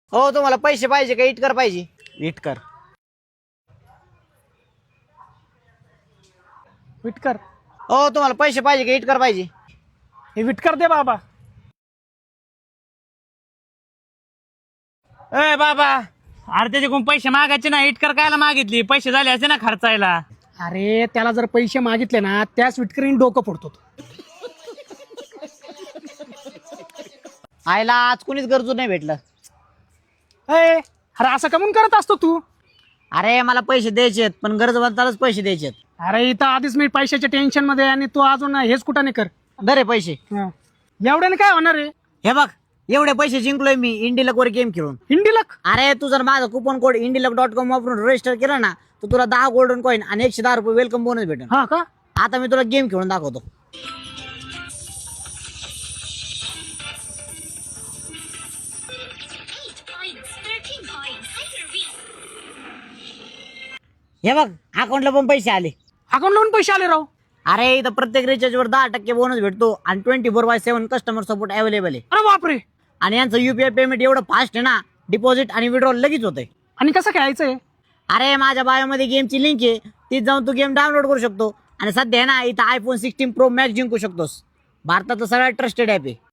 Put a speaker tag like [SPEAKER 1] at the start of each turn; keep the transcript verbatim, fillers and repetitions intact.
[SPEAKER 1] हो तुम्हाला पैसे पाहिजे का इटकर पाहिजे?
[SPEAKER 2] इटकर.
[SPEAKER 3] विटकर.
[SPEAKER 1] हो तुम्हाला पैसे पाहिजे का इटकर पाहिजे?
[SPEAKER 3] हे विटकर दे बाबा.
[SPEAKER 2] ए बाबा, अरे त्याच्याकडून पैसे मागायचे ना, इटकर कायला मागितली? पैसे झाले असते ना खर्चायला.
[SPEAKER 3] अरे त्याला जर पैसे मागितले ना त्याच विटकरीने डोकं फोडतो तो.
[SPEAKER 1] आईला आज कुणीच गरजू नाही भेटलं.
[SPEAKER 3] ए, अरे असं कमून करत असतो तू?
[SPEAKER 1] अरे मला पैसे द्यायचेत पण गरजवंतालाच पैसे द्यायचेत.
[SPEAKER 3] अरे इथं आधीच मी पैशाच्या टेन्शन मध्ये आणि तू अजून हेच कुठं नाही कर.
[SPEAKER 1] दरे पैसे.
[SPEAKER 3] हं. एवढ्याने काय होणार आहे?
[SPEAKER 1] हे बघ एवढे पैसे जिंकलोय मी इंडिलक वर गेम खेळून.
[SPEAKER 3] हिंडीलक.
[SPEAKER 1] अरे तू जर माझा कुपन कोड इंडिलक डॉट कॉम वापरून रजिस्टर केलं ना तर तुला दहा गोल्डन कॉईन आणि एकशे दहा रुपये वेलकम बोनस भेटेल.
[SPEAKER 3] हा का?
[SPEAKER 1] आता मी तुला गेम खेळून दाखवतो. हे बघ अकाउंटला पण पैसे आले.
[SPEAKER 3] अकाउंट लावून पैसे आले राव.
[SPEAKER 1] अरे इथं प्रत्येक रिचार्ज वर दहा टक्के बोनस भेटतो आणि twenty four by seven customer support available आहे.
[SPEAKER 3] अरे बापरे.
[SPEAKER 1] आणि यांचं युपीआय पेमेंट एवढं फास्ट आहे ना, डिपॉझिट आणि विड्रॉल लगेच होतंय.
[SPEAKER 3] आणि कसं खेळायचंय?
[SPEAKER 1] अरे माझ्या बायोमध्ये गेमची लिंक आहे, तीच जाऊन तू गेम डाउनलोड करू शकतो. आणि सध्या आहे ना इथं आयफोन सिक्स्टीन प्रो मॅक्स जिंकू शकतोस. भारताचं सगळ्यात ट्रस्टेड ॲप आहे.